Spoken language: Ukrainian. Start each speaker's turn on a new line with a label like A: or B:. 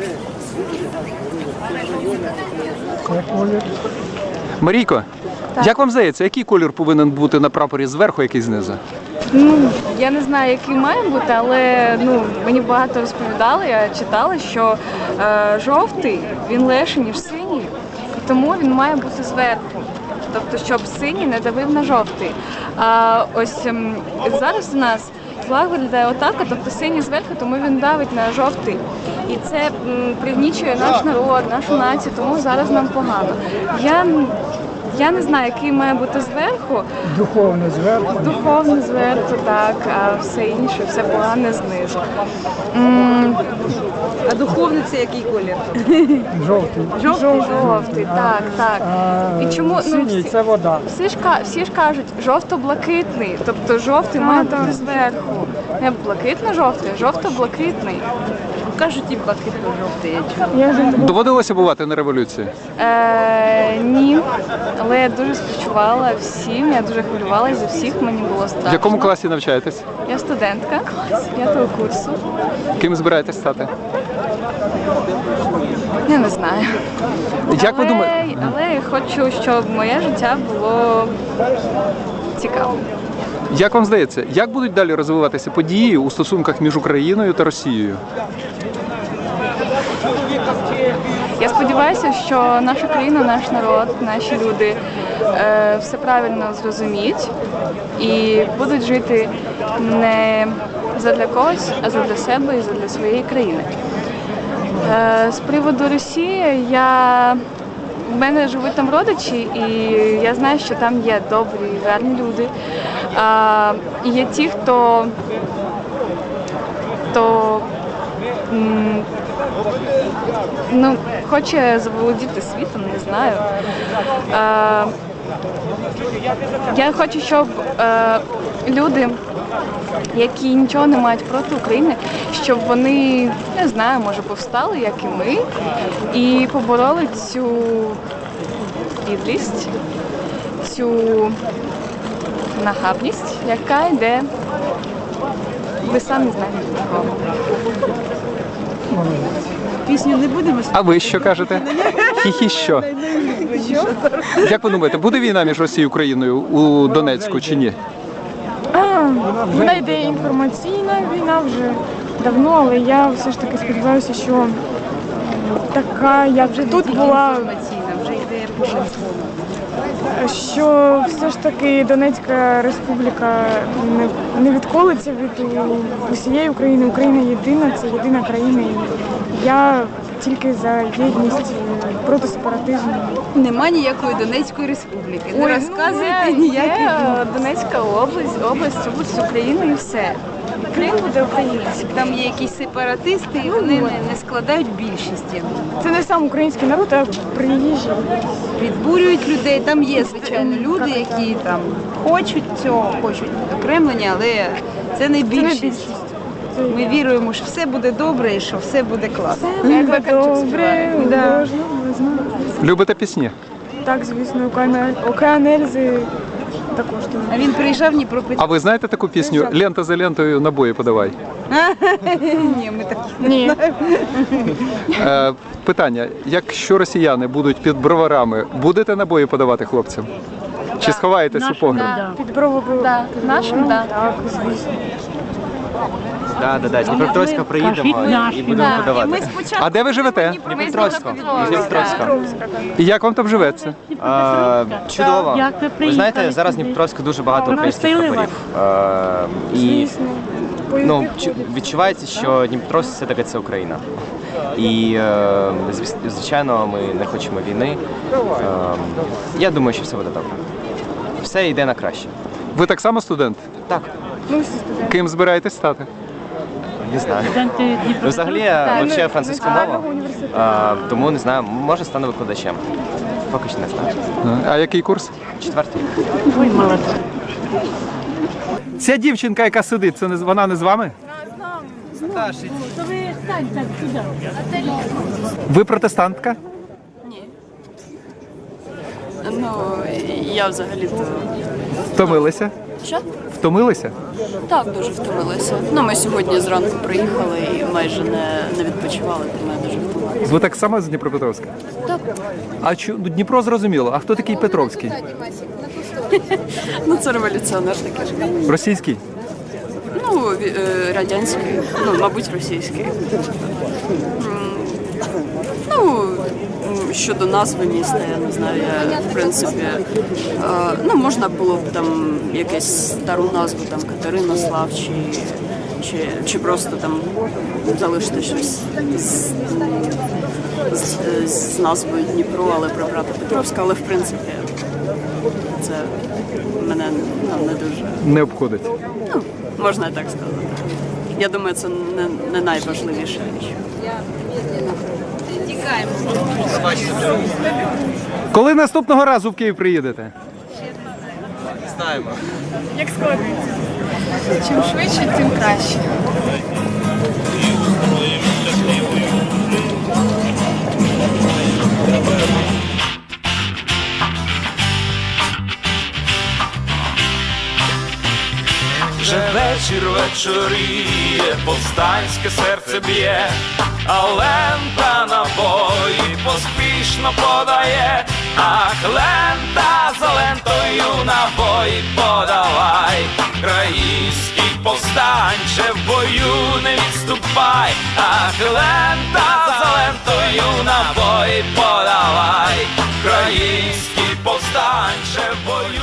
A: Марійко, як вам здається, який колір повинен бути на прапорі зверху, який знизу?
B: Я не знаю, який має бути, але мені багато розповідали, я читала, що жовтий, він легший, ніж синій, і тому він має бути зверху. Тобто, щоб синій не давив на жовтий. А ось зараз у нас флаг виглядає отак, тобто синій зверху, тому він давить на жовтий. І це пригнічує наш народ, нашу націю, тому зараз нам погано. Я не знаю, який має бути зверху.
C: Духовно зверху.
B: Духовно зверху, так, а все інше, все погане знизу.
D: А духовний це який колір?
C: Жовтий.
B: Жовтий, так. І чому
C: Синій це вода.
B: всі ж кажуть, жовто-блакитний, тобто жовтий має бути зверху. Не блакитно-жовтий, а жовто-блакитний.
D: Кажуть, і блакитно-жовтий, я чула.
A: Доводилося бувати на революції?
B: Ні, але я дуже співчувала всім, я дуже хвилювалася за всіх, мені було страшно.
A: В якому класі навчаєтесь?
B: Я студентка 5-го курсу.
A: Ким збираєтесь стати?
B: Я не знаю.
A: Як ви думаєте?
B: Але я хочу, щоб моє життя було цікавим.
A: Як вам здається, як будуть далі розвиватися події у стосунках між Україною та Росією?
B: Я сподіваюся, що наша країна, наш народ, наші люди все правильно зрозуміють і будуть жити не задля когось, а задля себе і задля своєї країни. З приводу Росії, в мене живуть там родичі, і я знаю, що там є добрі, гарні люди. І є ті, хто хоче заволодіти світом, не знаю. Я хочу, щоб люди, які нічого не мають проти України, щоб вони, не знаю, може повстали, як і ми, і побороли цю підлість, цю нахабність, яка йде, ви самі знаєте від кого.
D: Пісню не будемо співати?
A: А ви що кажете? Хі-хі що? Як ви думаєте, буде війна між Росією і Україною у Донецьку чи ні?
E: Вона йде інформаційна війна вже давно, але я все ж таки сподіваюся, що така, як вже тут була,
D: Інформаційна, вже йде по шансону.
E: що все ж таки Донецька республіка не відколиться від усієї України. Україна єдина, це єдина країна. І я тільки за єдність проти сепаратизму.
D: Нема ніякої Донецької республіки. Не розказуйте
B: Є
D: ніяких.
B: Донецька область України і все. Крим буде український.
D: Там є якісь сепаратисти, і вони не складають більшість.
E: Це не сам український народ, а приїжджі.
D: Підбурюють людей. Там є, звичайно, люди, які там хочуть цього, хочуть окремлення, але це не більшість. Ми віруємо, що все буде добре і що все буде класно.
E: Добре, да. можна, не знаю.
A: Любите пісні?
E: Так, звісно, океан Ельзи також.
D: А він приїжджав в Дніпропетровськ.
A: А ви знаєте таку пісню «Лента за лентою, набої подавай»?
D: Ні, ми так
E: Ні.
A: Питання, якщо росіяни будуть під броварами, будете набої подавати хлопцям? Чи сховаєтесь у погреб?
E: Під бровою.
B: Да, нашим, да.
E: Так, звісно.
F: Да, з Дніпропетровська приїдемо і будемо
B: І ми
F: подавати.
B: спочатку
A: А де ви живете?
F: Дніпропетровська. Дніпропетровська.
A: І як вам там живеться?
F: Чудово. Ви знаєте, зараз в Дніпропетровську дуже багато українських прапорів. І відчувається, що Дніпропетровськ все-таки це Україна. І, звичайно, ми не хочемо війни. Я думаю, що все буде добре. Все йде на краще.
A: Ви так само студент?
F: Так,
A: Ким збираєтесь стати?
F: не знаю. Взагалі, я вивчаю французьку мову, тому не знаю, може стану викладачем. Поки що не знаю.
A: А який курс?
F: 4-й.
A: Ця дівчинка, яка сидить, це вона не з вами? Ви протестантка?
G: Ну, я взагалі-то
A: Втомилися?
G: Що?
A: Втомилися?
G: Так, дуже втомилися. Ну, ми сьогодні зранку приїхали і майже не відпочивали, тому я дуже втомилася.
A: Ви так само з Дніпропетровська?
G: Так.
A: А Дніпро зрозуміло. А хто такий Петровський?
G: Ну, це революціонер такий.
A: Російський?
G: Ну, радянський, ну, мабуть, російський. Ну, щодо назви міста, я не знаю, я, в принципі, ну, можна було б там якусь стару назву, там, Катеринослав, чи просто там залишити щось з назвою Дніпро, але прибрати Петровська, але, в принципі, це мене не дуже...
A: Не обходить.
G: Ну, можна і так сказати. Я думаю, це не найважливіша річ.
A: Коли наступного разу в Київ приїдете?
F: Знаємо.
B: Як складається? Чим швидше, тим краще.
H: Вже вечір вечоріє, повстанське серце б'є, а лента набої поспішно подає, ах, лента за лентою набої подавай, країнський повстанче в бою не відступай, ах, лента за лентою набої подавай, країнський повстанче в бою.